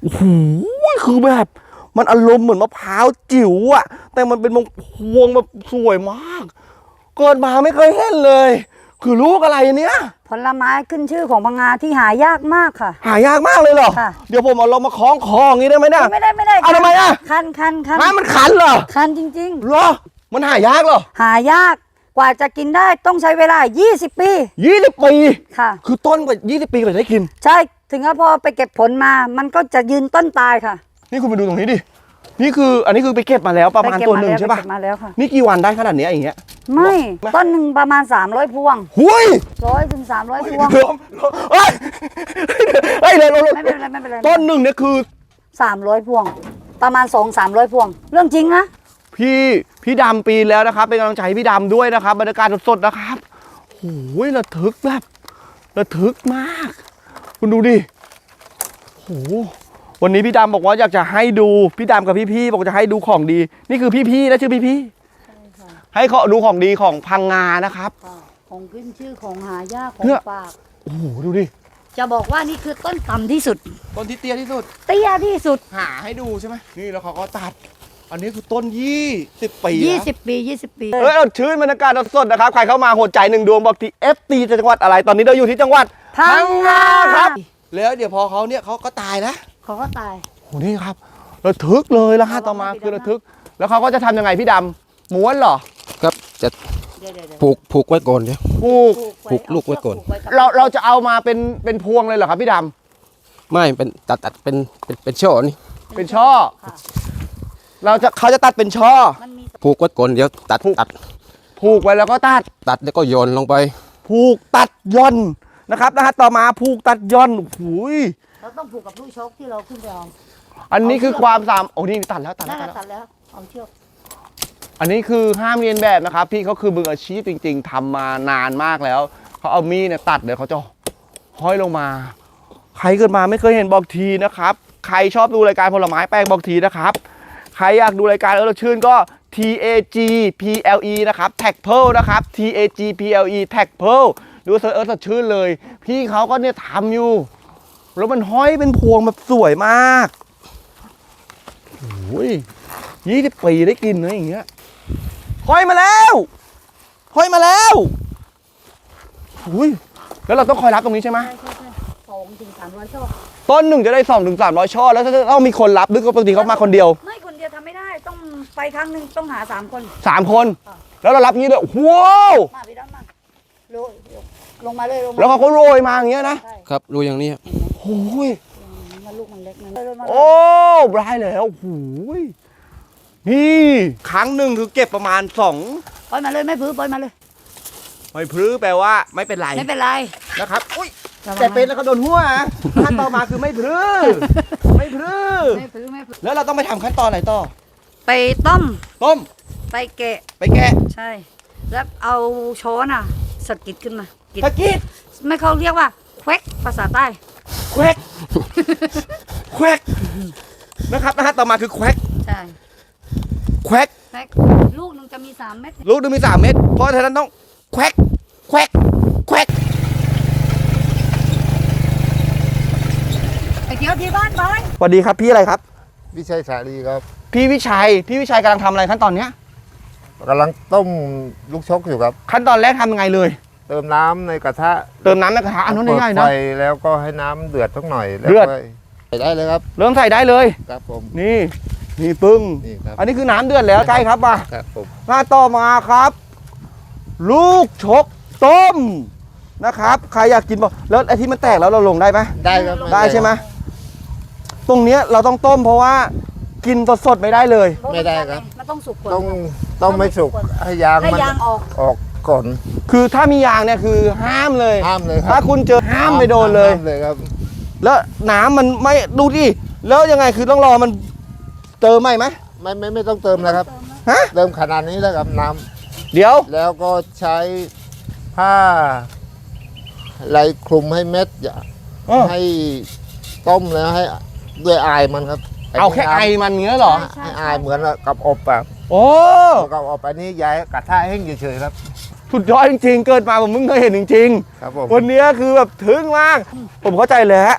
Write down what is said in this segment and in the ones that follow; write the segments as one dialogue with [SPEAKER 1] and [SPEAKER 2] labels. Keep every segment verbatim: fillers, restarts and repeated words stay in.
[SPEAKER 1] โอ้โหคือแบบมันอารมณ์เหมือนมะพร้าวจิ๋วอะแต่มันเป็นพวงแบบสวยมากเกิดมาไม่เคยเห็นเลยคือลูกอะไรเนี้ย
[SPEAKER 2] ผลไม้ขึ้นชื่อของพังงาที่หายากมากค่ะ
[SPEAKER 1] หายากมากเลยเหรอเดี๋ยวผมเอาลงมาคล้องคออย่างนี้ได้ไหมเนี่ย
[SPEAKER 2] ไม่ได้ไม่ได้
[SPEAKER 1] เอาทำไมอะ
[SPEAKER 2] คันคันคัน
[SPEAKER 1] มันขันเหรอ
[SPEAKER 2] คันจริง
[SPEAKER 1] ๆเหรอมันหายากเหรอ
[SPEAKER 2] หายากกว่าจะกินได้ต้องใช้เวลายี่สิบปี
[SPEAKER 1] ยี่สิบปี
[SPEAKER 2] ค่ะ
[SPEAKER 1] คือต้นกว่ายี่สิบปีกว่าจะได้กิน
[SPEAKER 2] ใช่ถึงแล้วพอไปเก็บผลมามันก็จะยืนต้นตายค่ะ
[SPEAKER 1] นี่คุณไปดูตรงนี้ดินี่คืออันนี้คือไปเก็บมาแล้วประมาณตัวหนึ่งใช่ป่ะ
[SPEAKER 2] มาแล้วค่ะ
[SPEAKER 1] นี่กี่วันได้ขนาดนี้อย่างเงี้ย
[SPEAKER 2] ไม่ต้นหนึ่งประมาณสามร้อยพวง
[SPEAKER 1] หุย
[SPEAKER 2] ร้อยถึงสามร้อยพวง
[SPEAKER 1] เฮ้ยเฮ้ยเดี๋ยว
[SPEAKER 2] ไม่เป็นไรไม่เป็นไร
[SPEAKER 1] ต้นหนึ่งเนี่ยคือ
[SPEAKER 2] สามร้อยพวงประมาณสองสามร้อยพวงเรื่องจริงนะ
[SPEAKER 1] พี่พี่ดำปีแล้วนะครับเป็นกำลังใจให้พี่ดำด้วยนะครับบรรยากาศสดๆนะครับโอ้ยระทึกแบบระทึกมากคุณดูดิโอ้วันนี้พี่ดำบอกว่าอยากจะให้ดูพี่ดำกับพี่ๆบอกจะให้ดูของดีนี่คือพี่ๆนะชื่อพี่ๆให้เขาดูของดีของพังงานะครับ
[SPEAKER 2] ของขึ้นชื่อของหายากของฝาก
[SPEAKER 1] โอ้โหดูดิ
[SPEAKER 2] จะบอกว่านี่คือต้นต่ำที่สุด
[SPEAKER 1] ต้นที่เตี้ยที่สุด
[SPEAKER 2] เตี้ยที่สุด
[SPEAKER 1] หาให้ดูใช่ไหมนี่แล้วเขาก็ตัดอันนี้คือต้นยี่สิบปี
[SPEAKER 2] ยี่สิบปียี่สิบปี
[SPEAKER 1] เอ้ยชื่นบรรยากาศสดๆนะครับใครเข้ามาหัวใจหนึ่งดวงบอกที่เอฟตีจังหวัดอะไรตอนนี้เราอยู่ที่จังหวัด
[SPEAKER 2] พังงา
[SPEAKER 1] ครับแล้วเดี๋ยวพอเขาเนี่ยเขาก็ตายนะ
[SPEAKER 2] เขาก็ตาย
[SPEAKER 1] โอ้นี่ครับระทึกเลยแล้วฮะต่อมาคือระทึกแล้วเขาก็จะทำยังไงพี่ดำม้วนเหรอ
[SPEAKER 3] ครับจะผูกผูกไว้ก่อนเดี๋ยว
[SPEAKER 1] ผูก
[SPEAKER 3] ผูกลูกไว้ก่อน
[SPEAKER 1] เราเราจะเอามาเป็นเป็นพวงเลยเหรอครับพี่ด
[SPEAKER 3] ำไม่เป็นตัดตัดเป็นเป็นเป็นช่อนี่
[SPEAKER 1] เป็นช่อเราจะเขาจะตัดเป็นช่อ
[SPEAKER 3] ผูกไว้ก่อนเดี๋ยวตัดตัด
[SPEAKER 1] ผูกไว้แล้วก็ตัด
[SPEAKER 3] ตัดแล้วก็โยนลงไป
[SPEAKER 1] ผูกตัดย่อนนะครับนะฮะต่อมาผูกตัดย่อนหูย
[SPEAKER 2] เราต้องผูกกับลูกชกที่เราขึ้นไปเอา
[SPEAKER 1] อันนี้คือความสามโอ้นี่ตัดแล้วตัดแล้ว
[SPEAKER 2] ตัดแล้วเอาเชือก
[SPEAKER 1] อันนี้คือห้ามเรียนแบบนะครับพี่เขาคือมืออาชีพจริงๆทำมานานมากแล้วเขาเอามีดเนี่ยตัดเดี๋ยวเขาจะห้อยลงมาใครเกิดมาไม่เคยเห็นบอกทีนะครับใครชอบดูรายการผลไม้แปลกบอกทีนะครับใครอยากดูรายการเออชื่นก็ ที เอ จี พี แอล อี นะครับ แท็กเพลนะครับ ที เอ จี พี แอล อี แท็กเพลดูเซิร์ชเออชื่นเลยพี่เขาก็เนี่ยทำอยู่แล้วมันห้อยเป็นพวงแบบสวยมากโอ้ยยี่สิบปีได้กินนะอย่างเงี้ยห้อยมาแล้วห้อยมาแล้วอุ้ยแล้วเราต้องคอยรับตรงนี้ใช่ไหม
[SPEAKER 2] สองถึงสามร้อยช่อ
[SPEAKER 1] ต้นหนึ่งจะได้สองถึงสามร้อยช่อแล้วถ้าต้องมีคนรับหรือปกติเขามาคนเดียว
[SPEAKER 2] ไม่คนเดียวทำไม่ได้ต้องไปครั้งหนึ่งต้องหาสามคน
[SPEAKER 1] สามคนแล้วเรารับงี้เลยว้าว
[SPEAKER 2] มาพี่ดำมาโรยลงมาเลยลงมา
[SPEAKER 1] แล้วเขาก็โรยมาอย่างเงี้ย
[SPEAKER 3] นะครับโรยอย่างนี้
[SPEAKER 1] โอ้ย
[SPEAKER 2] มันลูกมันเล็กนะ
[SPEAKER 1] โอ้ได้แล้วโอ้ยนี่ครั้งหนึ่งคือเก็บประมาณสอง
[SPEAKER 2] ปล่อยมาเลยไม่พื้นปล่อยมาเลย
[SPEAKER 1] ไม่พื้นแปลว่าไม่เป็นไร
[SPEAKER 2] ไม่เป็นไร
[SPEAKER 1] นะครับอุ้ยแต่เป็นแล้วก็โดนหัวขั้นต่อมาคือไม่พื้นไม่พื้นไม่พื้นไม่พื้นแล้วเราต้องไปทำขั้นตอนอะไรต่อ
[SPEAKER 2] ไปต้ม
[SPEAKER 1] ต้ม
[SPEAKER 2] ไปแกะ
[SPEAKER 1] ไปแกะ
[SPEAKER 2] ใช่แล้วเอาช้อนอ่ะสกิดขึ้นมา
[SPEAKER 1] สกิด
[SPEAKER 2] ไม่เขาเรียกว่าแควกภาษาใต้
[SPEAKER 1] แควกแควกนะครับนะฮะต่อมาคือแควก
[SPEAKER 2] ใช่
[SPEAKER 1] แควก
[SPEAKER 2] ลูกหนึ่งจะมีสามเม็ด
[SPEAKER 1] ลูกหนึ่งมีสามเม็ดเพราะฉะนั้นต้องแควกแควกแควก
[SPEAKER 2] ไอเกียวที่บ้านบ้าน
[SPEAKER 1] สวัสดีครับพี่อะไรครับ
[SPEAKER 4] วิชัยสาลีครับ
[SPEAKER 1] พี่วิชัยพี่วิชัยกำลังทำอะไรขั้นตอนเนี้ย
[SPEAKER 4] กำลังต้มลูกชกอยู่ครับ
[SPEAKER 1] ขั้นตอนแรกทำยังไงเลย
[SPEAKER 4] เติมน้ำในกระทะ
[SPEAKER 1] เติมน้ำในกระทะอันนั้นง่ายๆนะ
[SPEAKER 4] ไฟแล้วก็ให้น้ำเดือดสักหน่อย
[SPEAKER 1] เดือด
[SPEAKER 4] ใส่ได้เลยครับ
[SPEAKER 1] เริ่มใส่ได้เลย
[SPEAKER 4] ครับผม
[SPEAKER 1] นี่นี่ปึ้งอันนี้คือน้ำเดือดแล้วใกล้ครับมา
[SPEAKER 4] ครับผม
[SPEAKER 1] มาต่อมาครับ ลูกชกต้มนะครับใครอยากกินบอกแล้วไอ้ที่มันแตกแล้วเราลงได้ไหม
[SPEAKER 4] ได้ครับ
[SPEAKER 1] ได้ใช่ไหมตรงเนี้ยเราต้องต้มเพราะว่ากินสดๆไม่ได้เลย
[SPEAKER 4] ไม่ได้ครับ
[SPEAKER 2] มันต้องสุก
[SPEAKER 4] ต้องต้องไม่สุกให้ยางมัน
[SPEAKER 2] ออก
[SPEAKER 4] ออกก่อน
[SPEAKER 1] คือถ้ามียางเนี่ยคือห้ามเลย
[SPEAKER 4] ห้ามเลย
[SPEAKER 1] ถ้าคุณเจอห้ามไปโดนเลย
[SPEAKER 4] เลยครับ
[SPEAKER 1] แล้วน้ำมันไม่ดูดิแล้วยังไงคือต้องรอมันเติมไหมไหม
[SPEAKER 4] ไม่ไม่ไม่ต้องเติมนะครับ
[SPEAKER 1] ฮะ
[SPEAKER 4] เติมขนาดนี้แล้วครับน้
[SPEAKER 1] ำเดี๋ยว
[SPEAKER 4] แล้วก็ใช้ผ้าไรคลุมให้เม็ดอย่าให้ต้มแล้วให้ด้วยอายมันครับ
[SPEAKER 1] เอาแค่ไอมันเงี้ยเหรอ
[SPEAKER 4] ให้อายเหมือนกับอบแบบ
[SPEAKER 1] โอ้
[SPEAKER 4] กับอบอันนี้ย้ายกระทะแห้งเฉยๆครับ
[SPEAKER 1] สุดยอดจริงๆเกิดมาผมเพิ่งเคยเห็นจริง
[SPEAKER 4] ๆครับผม
[SPEAKER 1] วันนี้คือแบบถึงมากผมเข้าใจแล้วคื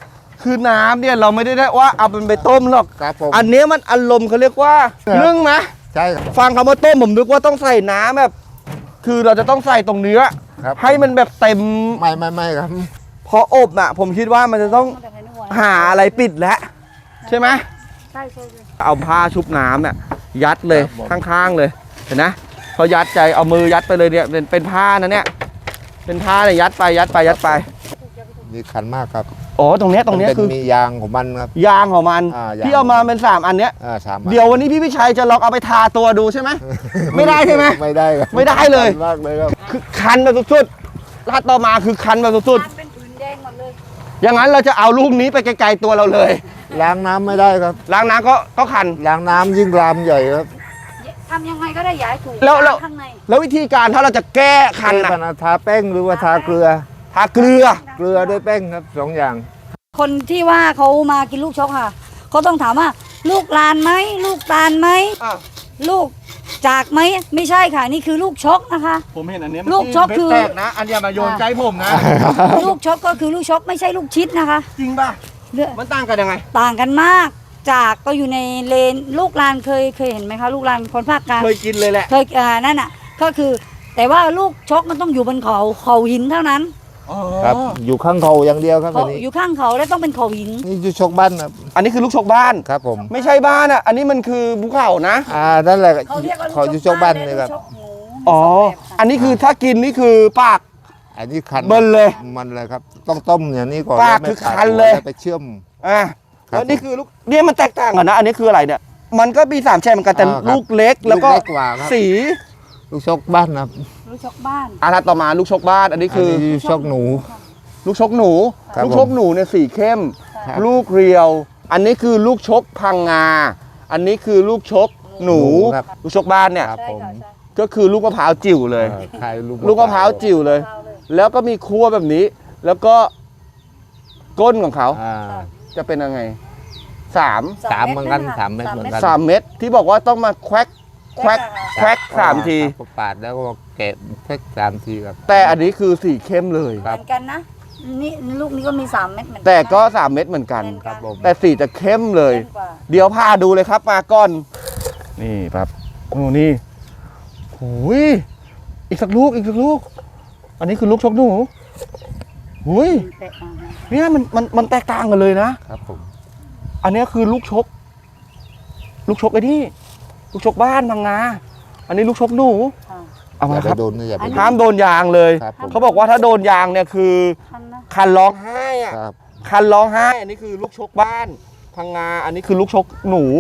[SPEAKER 1] คือน้ำเนี่ยเราไม่ได้ได้ว่าเอาเป็นไปต้มหรอก
[SPEAKER 4] ครับผม
[SPEAKER 1] อันเนี้ยมันอารมณ์เขาเรียกว่า
[SPEAKER 4] ครับ
[SPEAKER 1] นึ่งนะ
[SPEAKER 4] ใช่ครับ
[SPEAKER 1] ฟังคำว่าต้มผมนึกว่าต้องใส่น้ำแบบ คือเราจะต้องใส่ตรงเนื้อ
[SPEAKER 4] ครับ
[SPEAKER 1] ให้มันแบบเต็ม
[SPEAKER 4] ไม่ไม่ไม่ครับ
[SPEAKER 1] พออบอ่ะ ผมคิดว่ามันจะต้องหาอะไรปิดแล้วใช่ไหม
[SPEAKER 2] ใช่ใช่ใช่
[SPEAKER 1] เอาผ้าชุบน้ำเนี่ยยัดเลย
[SPEAKER 4] ครับผม
[SPEAKER 1] ข้างๆเลยเห็นนะพอยัดใจเอามือยัดไปเลยเนี่ยเป็นเป็นผ้านะเนี่ยเป็นผ้าเนี่ยยัดไปยัดไปยัดไป
[SPEAKER 4] มีขันมากครับ
[SPEAKER 1] อ๋อตรงเนี้ยตรงเนี้ย
[SPEAKER 4] มัป็
[SPEAKER 1] คือ
[SPEAKER 4] มียางของมันครับ
[SPEAKER 1] ยางของมัน
[SPEAKER 4] อ่ายาง
[SPEAKER 1] ที่เอามาเป็นสามอันเนี้ย
[SPEAKER 4] อ่าสามอัน
[SPEAKER 1] เดี๋ยววันนี้พี่พิชัยจะลองเอาไปทาตัวดูใช่ไหม ไม่ได้ใช่ไหม
[SPEAKER 4] ไม่ได้ครับ
[SPEAKER 1] ไม่ได้เลย
[SPEAKER 4] ขันมากเลยครับ
[SPEAKER 1] คือคันแบบสุดๆลาดต่อมาคือคันแบบสุด
[SPEAKER 2] มันเป็นผืนแดงหมดเลย
[SPEAKER 1] ๆอย่างนั้นเราจะเอาลูกนี้ไปไกลๆตัวเราเลย
[SPEAKER 4] ล้างน้ำไม่ได้ครับ
[SPEAKER 1] ล้างน้ำก็ก็คัน
[SPEAKER 4] ล้างน้ำยิ่งรามใหญ่ครับ
[SPEAKER 2] ทำยังไงก็ได้ย้ายถูก
[SPEAKER 1] แล้วแล้ว
[SPEAKER 2] ข้างใน
[SPEAKER 1] แล้ววิธีการถ้าเราจะแก้คัน
[SPEAKER 4] แก้
[SPEAKER 1] อะ
[SPEAKER 4] ปัญหาทาแป้งหรือว่าทาเกลือ
[SPEAKER 1] ทาเกลือ
[SPEAKER 4] เกลือด้วยแป้งครับสองอย่าง
[SPEAKER 2] คนที่ว่าเขามากินลูกชกค่ะเขาต้องถามว่า ลูกลานไหมลูกตาลไหม
[SPEAKER 1] อ่ะ
[SPEAKER 2] ลูกจากไหมไม่ใช่ค่ะ นี่คือลูกชกนะคะ
[SPEAKER 1] ผมเห็นอันเนี้ย
[SPEAKER 2] ลูกชกคือ
[SPEAKER 1] เม็ดแตกนะ อันเนี้ยมาโยนใจผมนะ
[SPEAKER 2] ลูกชกก็คือลูกชกไม่ใช่ลูกชิดนะคะ
[SPEAKER 1] จริงป่ะ
[SPEAKER 2] เลือก
[SPEAKER 1] มันต่างกันยังไง
[SPEAKER 2] ต่างกันมาก จากก็อยู่ในเลนลูกลานเคยเคยเห็นไหมคะลูกลานคนภาคกลาง
[SPEAKER 1] เคยกินเลยแหละ
[SPEAKER 2] เคยอ่านั่นอ่ะก็คือ แต่ว่าลูกชกมันต้องอยู่บนเขาเขาหินเท่านั้น
[SPEAKER 4] ครับ อยู่ข้างเขาอย่างเดียวครับ
[SPEAKER 2] เขา
[SPEAKER 4] อันนี้
[SPEAKER 2] อยู่ข้างเขาแล้วต้องเป็นเขาหิน
[SPEAKER 4] นี่อยู่ชกบ้านครับ
[SPEAKER 1] อันนี้คือลูกชกบ้าน
[SPEAKER 4] ครับผม
[SPEAKER 1] ไม่ใช่บ้านอ่ะ อันนี้มันคือภูเขานะ
[SPEAKER 4] อ่านั่นแหละ
[SPEAKER 2] เขาเรียกว่า
[SPEAKER 4] เขาอยู่ชกบ้านเลยครับ
[SPEAKER 2] ลูกชกหมู
[SPEAKER 1] อ๋อ
[SPEAKER 2] สงแบบค่ะ
[SPEAKER 1] อันนี้คือถ้ากินนี่คือปาก
[SPEAKER 4] อันนี้คัน
[SPEAKER 1] เบิ่นเลย
[SPEAKER 4] มันเลยครับ ต้องต้มอย่างนี้ก่อน
[SPEAKER 1] ปาก
[SPEAKER 4] แล้วไม่
[SPEAKER 1] คือ
[SPEAKER 4] ขาด
[SPEAKER 1] คันเลย
[SPEAKER 4] แล้วไปเชื่อม
[SPEAKER 1] อ่ะ
[SPEAKER 4] ครับ
[SPEAKER 1] แล้วนี่คือลูกเนี่ยมันแตกต่างกันนะ อันนี้คืออะไรเนี่ย มันก็มีสามแฉกเหมือนกันแต่
[SPEAKER 4] อ่าครับ
[SPEAKER 1] ลูกเล็กแล้วก็
[SPEAKER 4] ลูกเล็กกว่าครับ
[SPEAKER 1] สี
[SPEAKER 4] ลูกชกบ้านครับ
[SPEAKER 2] ลูกชกบ้าน
[SPEAKER 1] อ่ะถ้าต่อมาลูกชกบ้าน อันนี้คือ
[SPEAKER 4] นนี้ชกหนู
[SPEAKER 1] ลูกชกหนู
[SPEAKER 4] ครับ
[SPEAKER 1] ลูกชกหนูเนี่ยสีเข้ม
[SPEAKER 4] ครับ
[SPEAKER 1] ลูกเรียว อันนี้คือลูกชกพังงา อันนี้คือลูกชกหนู
[SPEAKER 4] ครับ
[SPEAKER 1] ลูกชกบ้านเนี่ย
[SPEAKER 4] ครับ
[SPEAKER 2] ใช่
[SPEAKER 4] ผม
[SPEAKER 2] ค่ะใช่
[SPEAKER 1] ก็คือลูกมะพร้าวจิ๋วเลย
[SPEAKER 4] เออขายลูก
[SPEAKER 1] ลูกมะพร้าวจิ๋วเลย
[SPEAKER 2] เอาเลย
[SPEAKER 1] แล้วก็มีคั่วแบบนี้ แล้วก็ก้นของเขา
[SPEAKER 4] อ่า
[SPEAKER 1] จะเป็นยังไงสาม
[SPEAKER 4] สามเหมือนกันสามเม็ดเหมือนกัน
[SPEAKER 1] สามเม็ดที่บอกว่าต้องมาแควกแควกแควกสามที
[SPEAKER 4] ครับปาดแล้วก็แกะแพ็กสามทีครับ
[SPEAKER 1] แต่อันนี้คือสีเข้มเลย
[SPEAKER 2] เหมือนกันนะนี่ลูกนี้ก็มีสามเม็ดเหมือนกัน
[SPEAKER 1] แต่ก็สามเม็ดเหมือนกัน
[SPEAKER 2] เหมือน
[SPEAKER 4] ครับผม
[SPEAKER 1] แต่สีจะเข้มเลย
[SPEAKER 2] เข้มกว่า
[SPEAKER 1] เดี๋ยวพาดูเลยครับมาก่อน นี่ครับโอ้นี่โอ้ยอีกสักลูกอีกสักลูก อันนี้คือลูกชกหนูหุย
[SPEAKER 2] แตกต่างกัน
[SPEAKER 1] เนี่ยมันมันมันแตกต่างกันเลยนะ
[SPEAKER 4] ครับผม
[SPEAKER 1] อันนี้คือลูกชก ลูกชกไอ้นี่ลูกชกบ้านพังงาอันนี้ลูกชกหนู
[SPEAKER 2] ค่ะ
[SPEAKER 1] เอา
[SPEAKER 4] อ
[SPEAKER 1] มา
[SPEAKER 4] ย่า
[SPEAKER 1] ค
[SPEAKER 4] ไป
[SPEAKER 1] รับ
[SPEAKER 4] โดนนะอย่าไปโดน
[SPEAKER 1] ห้ามโดนยางเลย
[SPEAKER 4] ครับผม
[SPEAKER 1] เขาบอกว่าถ้าโดนยางเนี่ยคือ
[SPEAKER 2] ทันนะ
[SPEAKER 1] คันร้องไห้อะ
[SPEAKER 4] ครับ
[SPEAKER 1] คันร้องไห้ อันนี้คือลูกชกบ้านพังงา อันนี้คือลูกชกหนู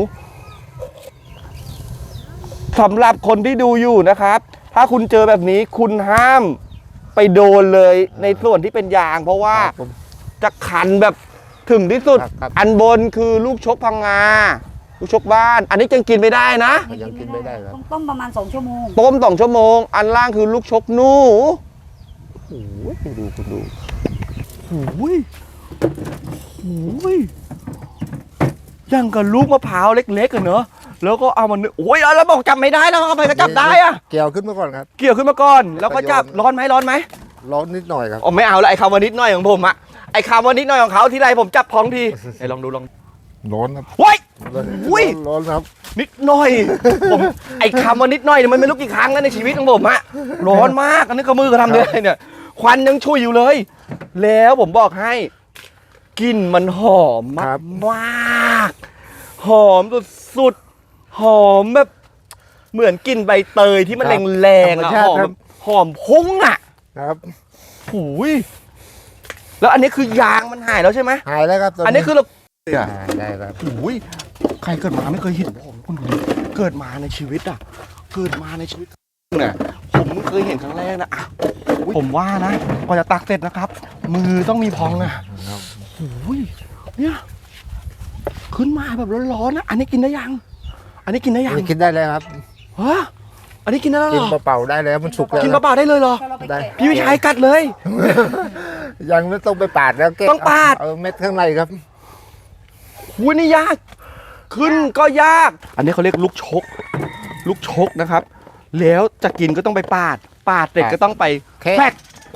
[SPEAKER 1] สำหรับคนที่ดูอยู่นะครับ ถ้าคุณเจอแบบนี้คุณห้ามไปโดนเลยในส่วนที่เป็นยาง เพราะว่า
[SPEAKER 4] ครับผม
[SPEAKER 1] จะคันแบบถึงที่สุด
[SPEAKER 4] ครับครับ
[SPEAKER 1] อันบนคือลูกชกพังงา ลูกชกบ้าน อันนี้ยังกินไม่ได้นะ
[SPEAKER 4] ยังกินไม่ได้ครับ
[SPEAKER 2] ต้องต้มประมาณสองชั่วโมง
[SPEAKER 1] ต้มสองชั่วโมง อันล่างคือลูกชกหนูโอ้ยดูคุณดูโอ้ยโอ้ยยังกับลูกมะพร้าวเล็กๆกันเนอะแล้วก็เอามันโอ้ยแล้วบอกจับไม่ได้แล้วเอาไปก็จับได้อะ
[SPEAKER 4] เกี่ยวขึ้นมาก่อนครับ
[SPEAKER 1] เกี่ยวขึ้นมาก่อน แล้วก็จับร้อนไหมร้อนไหม
[SPEAKER 4] ร้อนนิดหน่อยครับ
[SPEAKER 1] อ๋อไม่เอาละไอ้คำว่านิดหน่อยของผมอะไอ้คำว่านิดหน่อยของเขาทีไรผมจับพองทีไหนลองดูลอง
[SPEAKER 4] ร้อนครับ
[SPEAKER 1] เฮ้ย
[SPEAKER 4] ร้อน
[SPEAKER 1] อุ้ย
[SPEAKER 4] ร้อนครับ
[SPEAKER 1] นิดหน่อยผมไอ้คำว่านิดหน่อยเนี่ยมันไม่รู้กี่ครั้งแล้วในชีวิตของผมอะร้อนมากอันนี้ก็มือก็ทำด้วยเนี่ยควันยังชุยอยู่เลย แล้วผมบอกให้กลิ่นมันหอมมากมากหอมสุดๆหอมแบบเหมือนกลิ่นใบเตยที่มันแรงๆอะหอมแบบหอมพุ่งอะ
[SPEAKER 4] ครับ
[SPEAKER 1] หูยแล้วอันนี้คือยางมันหายแล้วใช่ไหม
[SPEAKER 4] หายแล้วครับต
[SPEAKER 1] อันนี้คือเรา
[SPEAKER 4] หายได้ครับ
[SPEAKER 1] หูยใครเกิดมาไม่เคยเห็นผมคุณดูดิเกิดมาในชีวิตอ่ะ เกิดมาในชีวิตเนี่ยผมเพิ่งเคยเห็นครั้งแรกนะอ่ะผมว่านะกว่าจะตักเสร็จนะครับ มือต้องมีพองอ่ะหูยเนี่ยขึ้นมาแบบร้อนๆนะอันนี้กินได้ยัง อันนี้กินได้ยัง
[SPEAKER 4] นี่กินได้แล้วครับ
[SPEAKER 1] ฮะอันนี้กินได้แล้ว
[SPEAKER 4] กิน
[SPEAKER 1] เหรอ
[SPEAKER 4] เปล่าๆได้แล้วมันสุกแล้ว
[SPEAKER 1] กินเปล่าๆได้เลยเหรอ
[SPEAKER 2] ถ้าเราไป
[SPEAKER 4] ได้
[SPEAKER 2] แกะ
[SPEAKER 1] พี่วิชัยกัดเลย
[SPEAKER 4] ยังไม่ต้องไปปาดแล้วเก็บ
[SPEAKER 1] ต้องปาด
[SPEAKER 4] เอาเม็ดข้างในครับ
[SPEAKER 1] หูยนี่ยาก ขึ้นก็ยาก อันนี้เขาเรียกลูกชก ลูกชกนะครับ แล้วจะกินก็ต้องไปปาด ปาดเสร็จก็ต้องไป
[SPEAKER 4] แคะ
[SPEAKER 1] แควกแควก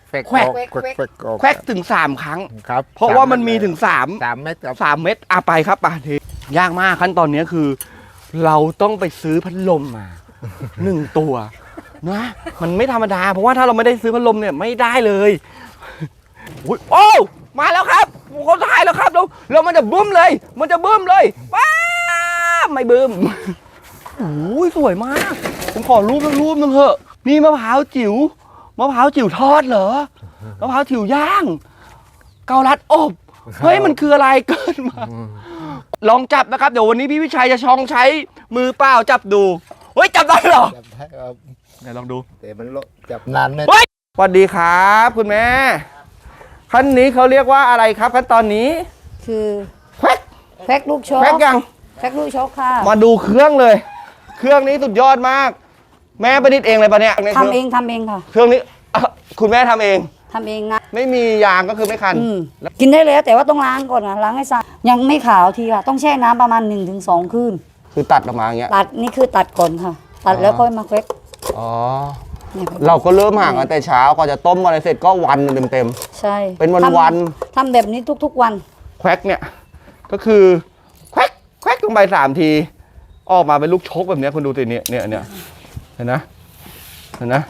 [SPEAKER 4] เฟก
[SPEAKER 1] แควก
[SPEAKER 4] ออกแควกแควกออก
[SPEAKER 1] แควกถึงสามครั้ง
[SPEAKER 4] ครับ
[SPEAKER 1] เพราะว่ามันมีถึงสาม
[SPEAKER 4] สามเม็ดครับ
[SPEAKER 1] สามเม็ดอ่ะไปครับป่ะทียากมากขั้นตอนนี้คือ เราต้องไปซื้อพัดลมมา หนึ่งตัวนะมันไม่ธรรมดาเพราะว่าถ้าเราไม่ได้ซื้อพัดลมเนี่ยไม่ได้เลยอุ๊ยโอ้มาแล้วครับคนถ่ายแล้วครับเราเรามันจะบึ้มเลย มันจะบึ้มเลยป้าบไม่บึ้มโอ้ยสวยมากผมขอรูปสักรูปหนึงเถอะนี่มะพร้าวจิ๋วมะพร้าวจิ๋วทอดเหรอมะพร้าวจิ๋วย่าง เกาลัดอบเฮ้ยมันคืออะไรเกินมา ลองจับนะครับเดี๋ยววันนี้พี่วิชัยจะชองใช้มือเปล่าจับดูเฮ้ยจับได้เหรอ
[SPEAKER 4] จับได้ครับ
[SPEAKER 1] ไหนลองดู
[SPEAKER 4] แต่มันโลจับนานไหม
[SPEAKER 1] เฮ้ยสวัสดีครับคุณแม่ขั้นนี้เขาเรียกว่าอะไรครับขั้นตอนนี้
[SPEAKER 2] คือ
[SPEAKER 1] แควก
[SPEAKER 2] แพ็กลูกชก
[SPEAKER 1] แควกยัง
[SPEAKER 2] แพ็กลูกชกค่ะ
[SPEAKER 1] มาดูเครื่องเลย เครื่องนี้สุดยอดมาก แม่ประดิษฐ์เองเลยปะเนี่ย
[SPEAKER 2] ทำเองทำเองค่ะ
[SPEAKER 1] เครื่องนี้อ่ะคุณแม่ทำเอง
[SPEAKER 2] ทำเองนะ
[SPEAKER 1] ไม่มียางก็คือไม่คัน
[SPEAKER 2] อืมกินได้แล้วแต่ว่าต้องล้างก่อนนะล้างให้สะอาดยังไม่ขาวทีค่ะ ต้องแช่น้ำประมาณหนึ่งถึงสองคืน
[SPEAKER 1] คือตัดออกมาอย่างเงี้ย
[SPEAKER 2] ตัดนี่คือตัดก่อนค่ะ ตัดแล้วค่อยมาแควก
[SPEAKER 1] อ๋อ
[SPEAKER 2] เนี่ยค่ะ
[SPEAKER 1] เราก็เริ่มห่างกันแต่เช้ากว่าจะต้มอะไรเสร็จก็วันหนึ่งเต็ม
[SPEAKER 2] ใช่
[SPEAKER 1] เป็นวัน
[SPEAKER 2] ทำ
[SPEAKER 1] วัน
[SPEAKER 2] ทำแบบนี้ทุกๆวัน
[SPEAKER 1] ๆแควกเนี่ยก็คือแควกแควกลงไปสามที ออกมาเป็นลูกชกแบบเนี้ยคุณดูสิเนี่ยเนี่ยเนี่ยเห็นนะเห็นนะ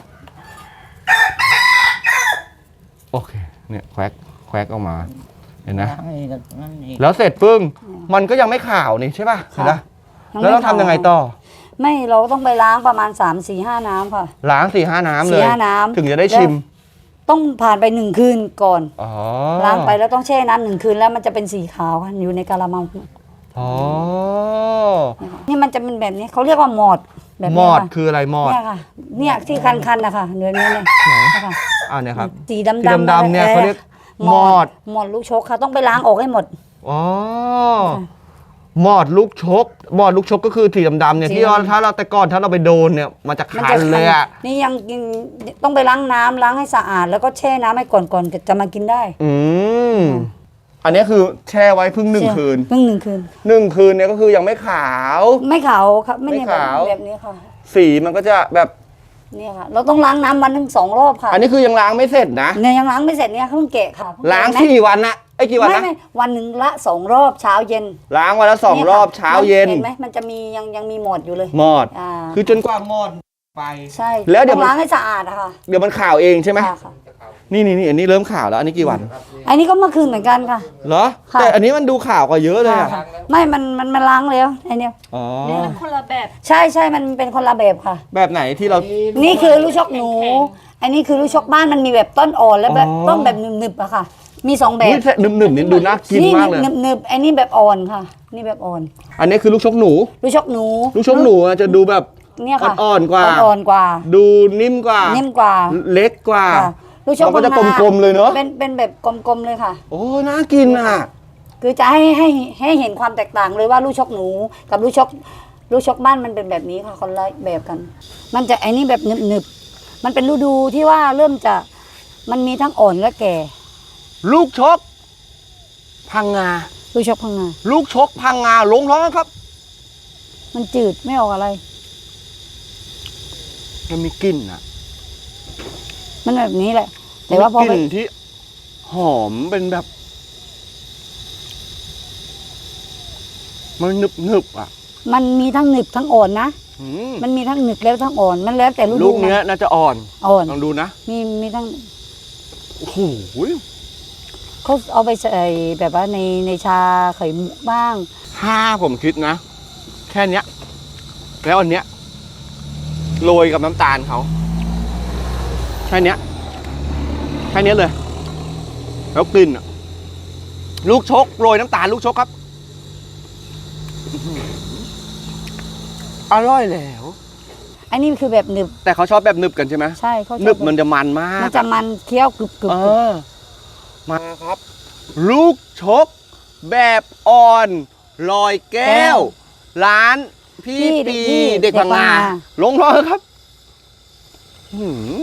[SPEAKER 1] โอเคเนี่ยแควกแควกออกมาเห็นนะ แล้วเสร็จปึ้งมันก็ยังไม่ขาวนี่ใช่ป่ะเห็นนะ
[SPEAKER 2] ยังไม่
[SPEAKER 1] แล้วเราทำยังไงต่อ
[SPEAKER 2] ไม่เราต้องไปล้างประมาณสามสี่ห้าน้ำค่ะ
[SPEAKER 1] ล้างสี่ห้าน้ำเลย
[SPEAKER 2] สี่ห้าน้ำ
[SPEAKER 1] ถึงจะได้ชิม
[SPEAKER 2] ต้องผ่านไปหนึ่งคืนก่อน
[SPEAKER 1] อ๋อ
[SPEAKER 2] ล้างไปแล้วต้องแช่น้ำหนึ่งคืนแล้วมันจะเป็นสีขาวค่ะอยู่ในกะละมัง
[SPEAKER 1] อ๋อ
[SPEAKER 2] นี่มันจะเป็นแบบนี้เขาเรียกว่าหมอดแบบ
[SPEAKER 1] ม
[SPEAKER 2] นี้
[SPEAKER 1] อด
[SPEAKER 2] ค่ะ
[SPEAKER 1] คืออะไรมอด
[SPEAKER 2] เนี่ยค่ะ เนี่ยที่คันๆนะคะเนื้อเนื้อเนี่ยนะคะ
[SPEAKER 1] อ่าเนี่ยครับ
[SPEAKER 2] สีดำ
[SPEAKER 1] สีดำๆเนี่ยเขาเรียกมอด
[SPEAKER 2] หมอดลูกชกค่ะ ต้องไปล้างออกให้หมด
[SPEAKER 1] อ๋อมอดลูกชกมอดลูกชกก็คือสีดำๆเนี่ย
[SPEAKER 2] สี
[SPEAKER 1] ที่เรา
[SPEAKER 2] ดำ
[SPEAKER 1] ถ้าเราแต่ก่อนถ้าเราไปโดนเนี่ยมันจะ
[SPEAKER 2] มัน
[SPEAKER 1] คั
[SPEAKER 2] จะ
[SPEAKER 1] นเลยอ่ะ
[SPEAKER 2] นี่ยังกินต้องไปล้างน้ำล้างให้สะอาด แล้วก็แช่น้ำให้ก่อนก่อนจะมากินได้
[SPEAKER 1] อืมอันนี้คือแช่ไว้เพิ่งหนึ่งคืน
[SPEAKER 2] เพิ่งหนึ่งคืน
[SPEAKER 1] หนึ่งคืนเนี่ยก็คือยังไม่ขาว
[SPEAKER 2] ไม่ขาวครับไม่เนี่ย
[SPEAKER 1] ไม่ขาว
[SPEAKER 2] แบบนี้ค่ะ
[SPEAKER 1] สีมันก็จะแบบ
[SPEAKER 2] เนี่ยค่ะ เราต้องล้างน้ำวันหนึ่งสองรอบค่ะ
[SPEAKER 1] อันนี้คือยังล้างไม่เสร็จนะ
[SPEAKER 2] เนี่ยยังล้างไม่เสร็จเนี่ยเพิ่งแกะค่ะ
[SPEAKER 1] ล้าง
[SPEAKER 2] เห็นไหม
[SPEAKER 1] สี่วันนะไอ้ยกี่วัน
[SPEAKER 2] ไม่
[SPEAKER 1] นะ
[SPEAKER 2] ไม่วันหนึ่งละสองรอบเช้าเย็น
[SPEAKER 1] ล้างวันละสอง
[SPEAKER 2] นี่ย
[SPEAKER 1] ร
[SPEAKER 2] ค่ะ
[SPEAKER 1] อบเช้าเย็น
[SPEAKER 2] เห็นไหมมันจะมียังยังมีหมดอยู่เลย
[SPEAKER 1] มอด
[SPEAKER 2] อ่า
[SPEAKER 1] คือจนกว่ามอดไป
[SPEAKER 2] ใช่
[SPEAKER 1] แล้วเดี๋ยว
[SPEAKER 2] ต้อง
[SPEAKER 1] มัน
[SPEAKER 2] ล้างให้สะอาดอะค่ะ
[SPEAKER 1] เดี๋ยวมันขาวเองใช่ไหม
[SPEAKER 2] ค่ะค่ะ
[SPEAKER 1] นี่นี่นี่อันนี้เริ่มขาวแล้วอันนี้กี่วัน
[SPEAKER 2] อันนี้ก็เมื่อคืนเหมือนกันค่ะ
[SPEAKER 1] เหรอ
[SPEAKER 2] ค่ะ
[SPEAKER 1] แต่อันนี้มันดูขาวกว่าเยอะเลยอะ
[SPEAKER 2] ค่ะไม่มันมันมันล้างแล้วไอเนี้ย
[SPEAKER 1] อ๋อ
[SPEAKER 5] คนละแบบ
[SPEAKER 2] ใช่ใช่มันเป็นคนละแบบค่ะ
[SPEAKER 1] แบบไหนที่เรา
[SPEAKER 2] นี่คือลูกชกหนู อันนี้คือลูกชกบ้านมันมีแบบต้นอ่อนและแบบ
[SPEAKER 1] อ๋อ
[SPEAKER 2] ต้นแบบหนึบๆอะค่ะ มีสองแบ
[SPEAKER 1] อุ๊
[SPEAKER 2] บ
[SPEAKER 1] ยหนึบหนึบๆนี่ดูน่ากินมากเลย
[SPEAKER 2] หนึบหนึบๆอันนี้แบบอ่อนค่ะ นี่แบบอ่อน
[SPEAKER 1] อันนี้คือลูกชกหนู
[SPEAKER 2] ลูกชกหนู
[SPEAKER 1] ลูกชกหนูอะจะดูแบบ
[SPEAKER 2] เนี่ยค่ะ
[SPEAKER 1] อ่อนๆกว่า
[SPEAKER 2] อ่อนๆกว่า
[SPEAKER 1] ดูนิ่มกว่า
[SPEAKER 2] นิ่มกว่า
[SPEAKER 1] เล็กกว่า
[SPEAKER 2] ค่ะลูกชก
[SPEAKER 1] มันก็จะ
[SPEAKER 2] ข้างหน้าก
[SPEAKER 1] ลมๆเลยเนอะ
[SPEAKER 2] เป็นเป็นแบบกลมๆเลยค่ะ
[SPEAKER 1] โอ้น่ากินอ่ะ
[SPEAKER 2] คือจะให้ให้ให้เห็นความแตกต่างเลยว่าลูกชกหนู กับลูกชกลูกชกบ้านมันเป็นแบบนี้ค่ะคนละแบบกัน มันจะไอ้นี่แบบหนึบหนึบๆมันเป็นฤดูที่ว่าเริ่มจะมันมีทั้งอ่อนและแก่
[SPEAKER 1] ลูกชก พังงา
[SPEAKER 2] ลูกชกพังงา
[SPEAKER 1] ลูกชกพังงาลงท้องครับ
[SPEAKER 2] มันจืดไม่ออกอะไร
[SPEAKER 1] มันมีกลิ่นอ่ะ
[SPEAKER 2] มันแบบนี้แหละ แต่ว่าพอ
[SPEAKER 1] มีก
[SPEAKER 2] ไป
[SPEAKER 1] ลิ่นที่หอมเป็นแบบ มันหนึบหนึบๆอ่ะ
[SPEAKER 2] มันมีทั้งหนึบทั้งอ่อนนะ
[SPEAKER 1] อืม
[SPEAKER 2] มันมีทั้งหนึบแล้วทั้งอ่อน มันแล้วแต่ฤ
[SPEAKER 1] ลู
[SPEAKER 2] ดู
[SPEAKER 1] กเนี้ย
[SPEAKER 2] มัน
[SPEAKER 1] น่าจะอ่อน
[SPEAKER 2] อ่อน
[SPEAKER 1] ลองดูนะ
[SPEAKER 2] มีมีทั้ง
[SPEAKER 1] โอ้โห
[SPEAKER 2] เขาเอาไปใส่แบบว่าในในชาไข่มุกบ้าง
[SPEAKER 1] ถ้าผมคิดนะ แค่เนี้ย แล้วอันเนี้ยโรยกับน้ำตาลเขาแค่เนี้ยแค่เนี้ยเลย แล้วกลิ่นอะลูกชกโรยน้ำตาลลูกชกครับอื้อหืออร่อยแล้ว
[SPEAKER 2] อันนี้คือแบบหนึบ
[SPEAKER 1] แต่เขาชอบแบบหนึบกันใช่ไหม
[SPEAKER 2] ใช่เขาชอบ
[SPEAKER 1] หนึบมันจะมันมาก
[SPEAKER 2] มันจะมันเคี้ยวกรึบกรึบ
[SPEAKER 1] เออมาครับ ลูกชก แบบอ่อนลอยแก้ว ร้านพี่ปีเด็กพังงาลงรอยครับอื้อหือ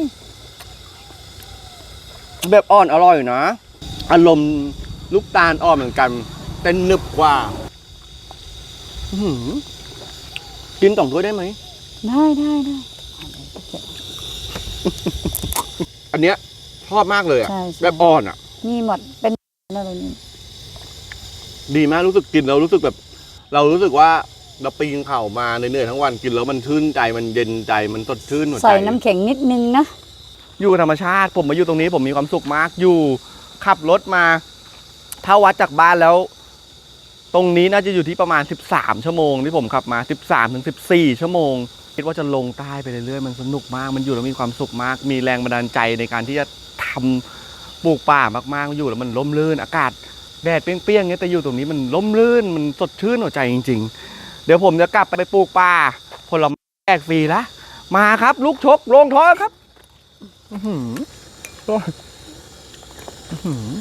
[SPEAKER 1] แบบอ่อนอร่อยนะ อารมณ์ลูกตาลอ่อนเหมือนกันแต่หนึบกว่าอื้อหือกินต่องถ้วยได้ไหม
[SPEAKER 2] ได้ได้ได้
[SPEAKER 1] อันเนี้ยชอบมากเลยอ่ะ
[SPEAKER 2] ใช่ใช่
[SPEAKER 1] แบบอ่อนอ่ะ
[SPEAKER 2] มีหมดเป็นอะไรนี่
[SPEAKER 1] ดีมากรู้สึกกินแล้วรู้สึกแบบ เรารู้สึกว่าเราปีนเขามาเหนื่อยๆทั้งวันกินแล้วมันชื่นใจมันเย็นใจมันสดชื่นหัวใจ
[SPEAKER 2] ใส่น้ำแข็งนิดนึงนะ
[SPEAKER 1] อยู่กับธรรมชาติผมมาอยู่ตรงนี้ผมมีความสุขมากอยู่ขับรถมา ถ้าวัดจากบ้านแล้ว ตรงนี้น่าจะอยู่ที่ประมาณสิบสามชั่วโมงที่ผมขับมาสิบสามถึงสิบสี่ชั่วโมงคิดว่าจะลงใต้ไปเรื่อยๆมันสนุกมากมันอยู่แล้วมีความสุขมาก มีแรงบันดาลใจในการที่จะทำปลูกป่ามากๆอยู่แล้วมันร่มรื่นอากาศแดดเปรี้ยงๆเงี้ยแต่อยู่ตรงนี้มันร่มรื่นมันสดชื่นหัวใจจริงๆเดี๋ยวผมจะกลับไปปลูกป่าผลไม้แจกฟรีละมาครับลูกชกลงท้อครับอื้อหืออื้อหือ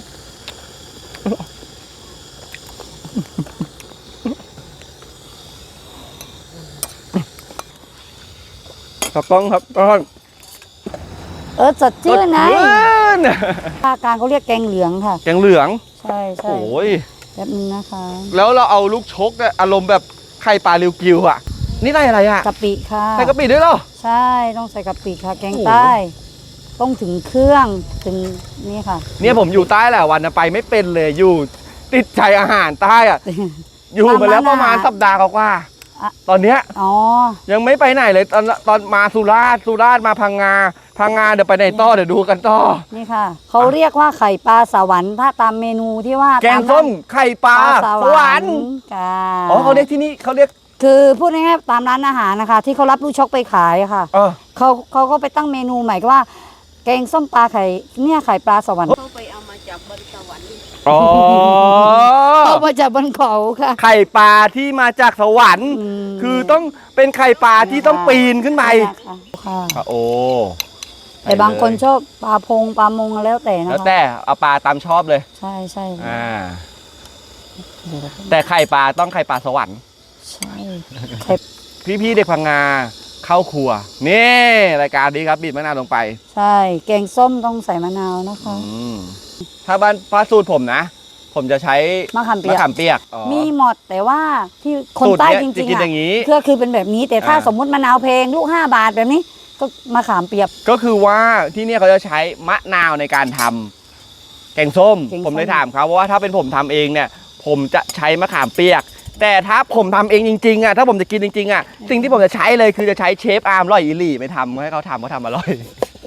[SPEAKER 1] ตากล้องครับตากล้อง
[SPEAKER 2] เออสดชื่นไง
[SPEAKER 1] สดชื่น
[SPEAKER 2] ภาคกลางเขาเรียกแกงเหลืองค่ะ
[SPEAKER 1] แกงเหลือง
[SPEAKER 2] ใช่ใช่
[SPEAKER 1] โอ้ย
[SPEAKER 2] แบบนึงนะคะ
[SPEAKER 1] แล้วเราเอาลูกชกเนี่ยอารมณ์แบบไข่ปลาริวกิวอ่ะ นี่ได้อะไรอ่ะ
[SPEAKER 2] กะปิค่ะ
[SPEAKER 1] ใส่กะปิด้วยเหรอ
[SPEAKER 2] ใช่ต้องใส่กะปิค่ะ แกง
[SPEAKER 1] โอ้โห
[SPEAKER 2] ใต้ต้องถึงเครื่องถึงนี่ค่ะ
[SPEAKER 1] เนี่ยผมอยู่ใต้แหละวันนะไปไม่เป็นเลยอยู่ติดใจอาหารใต้อ่ะ อยู่มาแล้วประมาณสัปดาห์กว่า
[SPEAKER 2] อ่ะ
[SPEAKER 1] ๆตอนเนี้ย
[SPEAKER 2] อ๋อ
[SPEAKER 1] ยังไม่ไปไหนเลยตอนตอนมาสุราษฎร์สุราษฎร์มาพังงาพังงาเดี๋ยวไปไหนต่อเดี๋ยวดูกันต่อ
[SPEAKER 2] นี่ค่ะเขาเรียกว่าไข่ปลาสวรรค์ถ้าตามเมนูที่ว่า
[SPEAKER 1] แกงส้มไข่ป
[SPEAKER 2] ป
[SPEAKER 1] ลา
[SPEAKER 2] ลา
[SPEAKER 1] ส
[SPEAKER 2] ส
[SPEAKER 1] ว
[SPEAKER 2] ว
[SPEAKER 1] ร
[SPEAKER 2] ร
[SPEAKER 1] ร
[SPEAKER 2] ร
[SPEAKER 1] ค์
[SPEAKER 2] ค์ค่ะ
[SPEAKER 1] อ๋อเขาเรียกที่นี่เขาเรียก
[SPEAKER 2] คือพูดง่ายๆตามร้านอาหารนะคะ ที่เขารับลูกชกไปขายอะค่ะ
[SPEAKER 1] เออ
[SPEAKER 2] เขาเขาก็ไปตั้งเมนูใหม่ก็ว่า แกงส้มปลาไข่เนี่ยไข่ปลาสวรรค์
[SPEAKER 5] เขาไปเอามาจากบนสวรรค์
[SPEAKER 1] อ๋อ
[SPEAKER 2] เอามาจากบนเขาค่ะ
[SPEAKER 1] ไข่ปลาที่มาจากสวรรค์
[SPEAKER 2] อืม
[SPEAKER 1] คือต้องเป็นไข่ปลาที่ต้องปีนขึ้นไป
[SPEAKER 2] ค่ะ
[SPEAKER 1] อ่ะโอ้
[SPEAKER 2] แต่บางคนชอบปลาพงปลามงแล้วแต่นะ
[SPEAKER 1] แล้ว
[SPEAKER 2] คะ
[SPEAKER 1] แต่เอาปลาตามชอบเลย
[SPEAKER 2] ใช่ใช่
[SPEAKER 1] อ่า แต่ไข่ปลาต้องไข่ปลาสวรรค์
[SPEAKER 2] ใช่ไข่
[SPEAKER 1] พี่ๆเด็กพังงาเข้าครัว นี่รายการนี้ครับบีบมะนาวลงไป
[SPEAKER 2] ใช่แกงส้มต้องใส่มะนาวนะคะ
[SPEAKER 1] อืมถ้าบ้านฟ้าสูตรผมนะ ผมจะใช้
[SPEAKER 2] มะขามเปี
[SPEAKER 1] มะ
[SPEAKER 2] ยก
[SPEAKER 1] ขามเปียกอ๋อ
[SPEAKER 2] มีหมดแต่ว่าที่คน
[SPEAKER 1] สูตร
[SPEAKER 2] ใต้
[SPEAKER 1] เนี้ย
[SPEAKER 2] จ
[SPEAKER 1] จะ
[SPEAKER 2] ริง
[SPEAKER 1] กิน
[SPEAKER 2] ๆ
[SPEAKER 1] อย่างนี้
[SPEAKER 2] ก็คือเป็นแบบนี้ แต่ถ้า
[SPEAKER 1] อ่า
[SPEAKER 2] สมมุติมะนาวเพลงลูกห้าบาทแบบนี้ ก็มะขามเปียก
[SPEAKER 1] ก็คือว่าที่เนี่ยเขาจะใช้มะนาวในการทำแกงส้ม
[SPEAKER 2] แกงส้ม
[SPEAKER 1] ผมเลยถามเขาเพราะว่าถ้าเป็นผมทำเองเนี่ย ผมจะใช้มะขามเปียก แต่ถ้าผมทำเองจริงๆอ่ะถ้าผมจะกินจริงๆอ่ะสิ่งที่ผมจะใช้เลยคือจะใช้เชฟอาร์มร่อยอีหลี่ไม่ทำให้เขาทำเขาทำอร่อย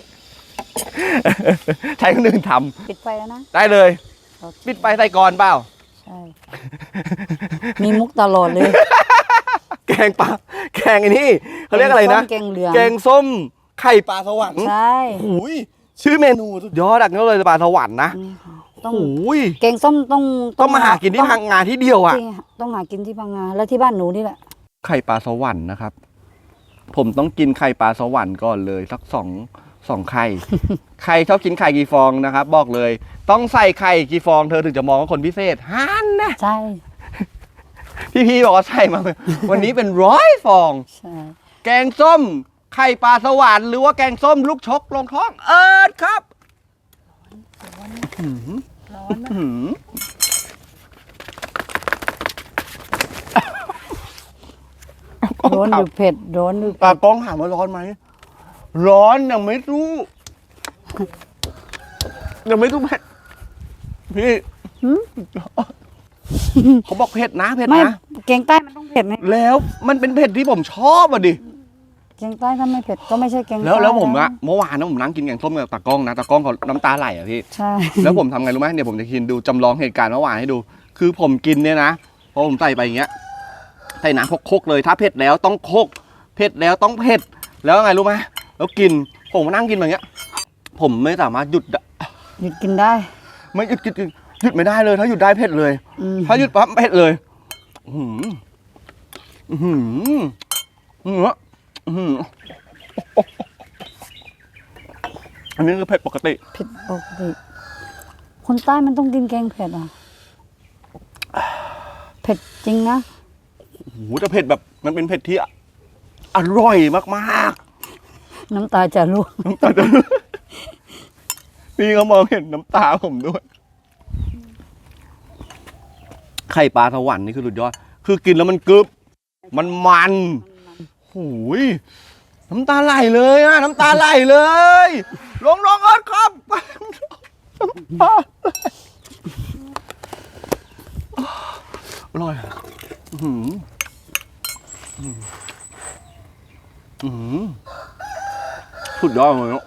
[SPEAKER 1] ใช้คนอื่นท
[SPEAKER 2] ปิดไฟแล้วนะ
[SPEAKER 1] ำได้เลย
[SPEAKER 2] โอเค
[SPEAKER 1] ปิดไฟใส่ก่อนเปล่า
[SPEAKER 2] ใช่ มีมุกตลอดเลย
[SPEAKER 1] แกงปลาแกงไอ้นี่เขาเรียกอะไรนะ
[SPEAKER 2] แกงส้มแกงเหลือง
[SPEAKER 1] แกงส้มไข่ปลาสวรรค์
[SPEAKER 2] ใช่
[SPEAKER 1] หูยชื่อเมนูสุดยอดอักนี้เลยปลาสวรรค์นะ
[SPEAKER 2] นี่ค่ะต้อง
[SPEAKER 1] หูย
[SPEAKER 2] แกงส้มต้อง
[SPEAKER 1] ต้องมาหากินที่พังงาที่เดียวอ่ะ
[SPEAKER 2] จริงๆต้องหากินที่พังงาแล้วที่บ้านหนูนี่แหละ
[SPEAKER 1] ไข่ปลาสวรรค์นะครับ ผมต้องกินไข่ปลาสวรรค์ก่อนเลยสักสองสองไข่ ใครชอบกินไข่กี่ฟองนะครับ บอกเลย ต้องใส่ไข่กี่ฟองเธอถึงจะมองว่าคนพิเศษฮันนะ
[SPEAKER 2] ใช่
[SPEAKER 1] พี่ๆบอกว่าใส่มา วันนี้เป็นร้อยฟอง
[SPEAKER 2] ใช่
[SPEAKER 1] แกงส้ม ไข่ปลาสวรรค์หรือว่าแกงส้มลูกชกลงท้องเอิร์ดครับร้อนนะ
[SPEAKER 2] ร้อนหรือเผ็ดร้อนหรือ
[SPEAKER 1] ตากล้องถามว่าร้อนไหมร้อนยังไม่รู้ยังไม่รู้เผ็ดพี่เขาบอกเผ็ดนะเผ็ด
[SPEAKER 2] ไม่
[SPEAKER 1] นะ
[SPEAKER 2] แกงใต้มันต้องเผ็ดไหม
[SPEAKER 1] แล้วมันเป็นเผ็ดที่ผมชอบอ่ะดิ
[SPEAKER 2] แกงใต้ถ้าไม่เผ็ดก็ไม่ใช่แกง
[SPEAKER 1] แล้ว
[SPEAKER 2] ใต้
[SPEAKER 1] แล้วผม
[SPEAKER 2] น
[SPEAKER 1] อะเมื่อวานนะผมนั่งกินแกงส้มกับตากล้องนะตากล้องเขาน้ำตาไหลอ่ะพี่
[SPEAKER 2] ใช่
[SPEAKER 1] แล้วผมทำไงรู้ไหมเดี๋ยวผมจะกินดูจำลองเหตุการณ์เมื่อวานให้ดู คือผมกินเนี่ยนะพอผมใส่ไปอย่างเงี้ยใส่น้ำโคกๆเลยถ้าเผ็ดแล้วต้องโคกเผ็ดแล้วต้องเผ็ดแล้วไงรู้ไหมแล้วกินผมมานั่งกินแบบเงี้ย ผมไม่สามารถหยุดได้
[SPEAKER 2] หยุดกินได้
[SPEAKER 1] ไม่หยุดหยุดหยุดหยุดไม่ได้เลย ถ้าหยุดได้เผ็ดเลย
[SPEAKER 2] อืม
[SPEAKER 1] ถ้าหยุดปั๊บเผ็ดเลยอื้อหืออื้อหืออื้อหืออันนี้คือเผ็ดปกติ
[SPEAKER 2] เผ็ดปกติคนใต้มันต้องกินแกงเผ็ดอ่ะเผ็ดจริงนะ
[SPEAKER 1] โอ้โหแต่เผ็ดแบบมันเป็นเผ็ดที่อร่อยมาก
[SPEAKER 2] น้ำตาจะร่วง
[SPEAKER 1] ๆน้ำตาจะพี่เขามองเห็นน้ำตาผมด้วยไข่ปลาสวรรค์นี่คือสุดยอดคือกินแล้วมันกรึบมันมันหูยน้ำตาไหลเลยอะน้ำตาไหลเลยลงลงเอิร์ธครับน้ำตาอร่อยอะอื้อหืออื้อหือสุดยอดเลยเนาะ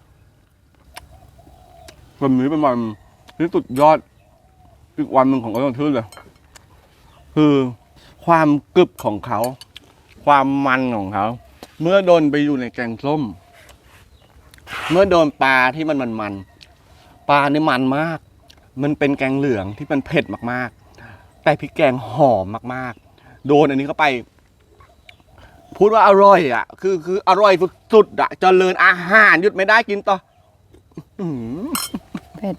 [SPEAKER 1] วันนี้เป็นวันที่สุดยอดอีกวันหนึ่งของเอิร์ธชื่อเลยคือความกรึบของเขาความมันของเขาเมื่อโดนไปอยู่ในแกงส้มเมื่อโดนปลาที่มันมันมันปลานี่มันมากมันเป็นแกงเหลืองที่มันเผ็ดมากๆแต่พริกแกงหอมมากๆโดนอันนี้เข้าไปพูดว่าอร่อยอ่ะคือคืออร่อยสุดๆอ่ะเจริญอาหารหยุดไม่ได้กินต่ออื้อหือ
[SPEAKER 2] เผ็ด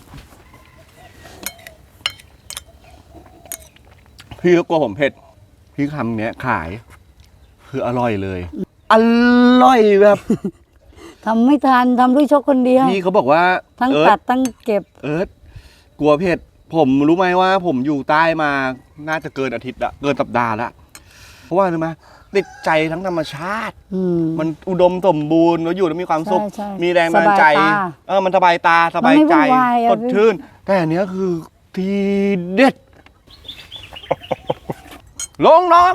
[SPEAKER 1] พี่ก็กลัวผมเผ็ดพี่คำเนี้ยขายคืออร่อยเลยอร่อยแบบ
[SPEAKER 2] ทำไม่ทันทำด้วยชกคนเดียว
[SPEAKER 1] พี่เขาบอกว่า
[SPEAKER 2] ทั้ง
[SPEAKER 1] เอิ
[SPEAKER 2] ตั
[SPEAKER 1] ร์
[SPEAKER 2] ด
[SPEAKER 1] ธ
[SPEAKER 2] ทั้งเก็บ
[SPEAKER 1] เอิร์ธกลัวเผ็ดผมรู้ไหมว่า ผมอยู่ใต้มาน่าจะเกินอาทิตย์ละเกินสัปดาห์ละเพราะว่ารู้ไหมติดใจทั้งธรรมชาติ
[SPEAKER 2] อืม
[SPEAKER 1] มันอุดมสมบูรณ์แล้วอยู่แล้วมีความสุข
[SPEAKER 2] ใช่ใช่
[SPEAKER 1] มีแรงบันดาลใจ
[SPEAKER 2] สบายตา
[SPEAKER 1] เออมันสบายตาสบายใจ
[SPEAKER 2] มันไม่วุ่นวายอะ
[SPEAKER 1] สดชื่นแต่อันเนี้ยคือทีเด็ด ลงเนาะ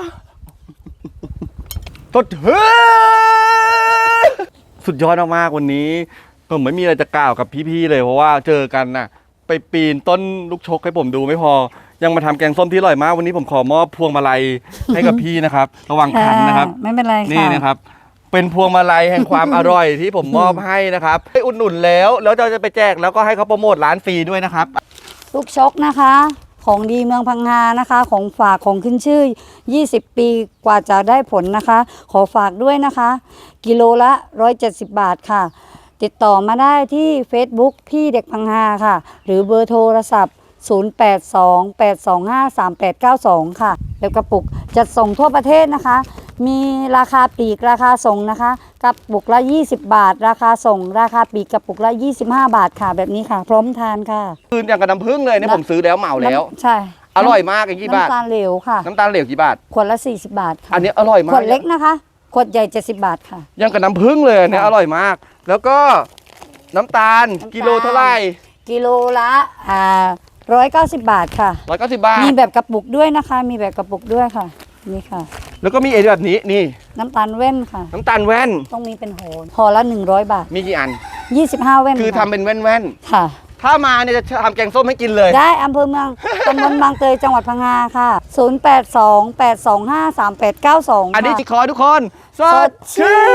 [SPEAKER 1] สดชื่นสุดยอดมากๆวันนี้ผมไม่มีอะไรจะกล่าวกับพี่ๆเลยเพราะว่าเจอกันน่ะ ไปปีนต้นลูกชกให้ผมดูไม่พอ ยังมาทำแกงส้มที่อร่อยมาก วันนี้ผมขอมอบพวงมาลัยให้กับพี่นะครับ ระวังคันนะครับ
[SPEAKER 2] ไม่เป็นไรค่ะ
[SPEAKER 1] นี่นะครับ เป็นพวงมาลัยแห่งความ อร่อยที่ผมมอบให้นะครับให้อุดหนุนแล้ว แล้วเราจะไปแจกแล้วก็ให้เขาโปรโมทร้านฟรีด้วยนะครับ
[SPEAKER 2] ลูกชกนะคะ ของดีเมืองพังงานะคะ ของฝากของขึ้นชื่อ ยี่สิบ ปีกว่าจะได้ผลนะคะ ขอฝากด้วยนะคะ กิโลละ หนึ่งร้อยเจ็ดสิบ บาทค่ะ ติดต่อมาได้ที่ Facebook พี่เด็กพังงาค่ะ หรือเบอร์โทรศัพท์ ศูนย์ แปด สอง แปด สอง ห้า สาม แปด เก้า สอง ค่ะแล้วกระปุกจัดส่งทั่วประเทศนะคะ มีราคาปลีกราคาส่งนะคะกระปุกละ ยี่สิบ บาท ราคาส่ง ราคาปลีกกระปุกละ ยี่สิบห้า บาทค่ะ แบบนี้ค่ะ พร้อมทานค่ะ
[SPEAKER 1] คืนอย่างกับน้ำผึ้งเลยเนี่ยผมซื้อแล้วเหมาแล้ว
[SPEAKER 2] น้ำใช่
[SPEAKER 1] อร่อยมากอย่างกี่บาท
[SPEAKER 2] น้ำตาลเหลวค่ะ
[SPEAKER 1] น้ำตาลเหลวกี่บาท
[SPEAKER 2] ขวดละ สี่สิบ บาทค่ะ
[SPEAKER 1] อันนี้อร่อยมาก
[SPEAKER 2] ขวดเล็กนะคะ ขวดใหญ่ เจ็ดสิบ บาทค่ะ
[SPEAKER 1] ยังกับน้ำผึ้งเลยเนี่ย
[SPEAKER 2] ค่ะ
[SPEAKER 1] อร่อยมาก แล้วก็น้ำตาล
[SPEAKER 2] น้ำตาล
[SPEAKER 1] กิโลเท่าไหร่
[SPEAKER 2] กิโลละอ่าร้อยเก้าสิบบาทค่ะ
[SPEAKER 1] ร้อยเก้าสิบบาท
[SPEAKER 2] มีแบบกระปุกด้วยนะคะ มีแบบกระปุกด้วยค่ะ นี่ค่ะ
[SPEAKER 1] แล้วก็มีไอ้แบบนี้นี่
[SPEAKER 2] น้ำตาลแว่นค่ะ
[SPEAKER 1] น้ำตาลแว่น
[SPEAKER 2] ต้องมีเป็นโหห่อละหนึ่งร้อยบาท
[SPEAKER 1] มีกี่อัน
[SPEAKER 2] ยี่สิบห้าแว่น
[SPEAKER 1] คือทำ
[SPEAKER 2] ค่ะ
[SPEAKER 1] เป็นแว่นแว่น
[SPEAKER 2] ค่ะ
[SPEAKER 1] ๆถ้ามาเนี่ยจะทำแกงส้มให้กินเลย
[SPEAKER 2] ได้อำเภอเมือง ตำบลบางเตยจังหวัดพังงาค่ะ ศูนย์ แปด สอง แปด สอง ห้า สาม แปด เก้า สอง
[SPEAKER 1] อันนี้
[SPEAKER 2] ค่ะ
[SPEAKER 1] จิขอให้ทุกคน ส
[SPEAKER 2] ส
[SPEAKER 1] ด
[SPEAKER 2] ดชื่
[SPEAKER 1] ชื่
[SPEAKER 2] น
[SPEAKER 1] น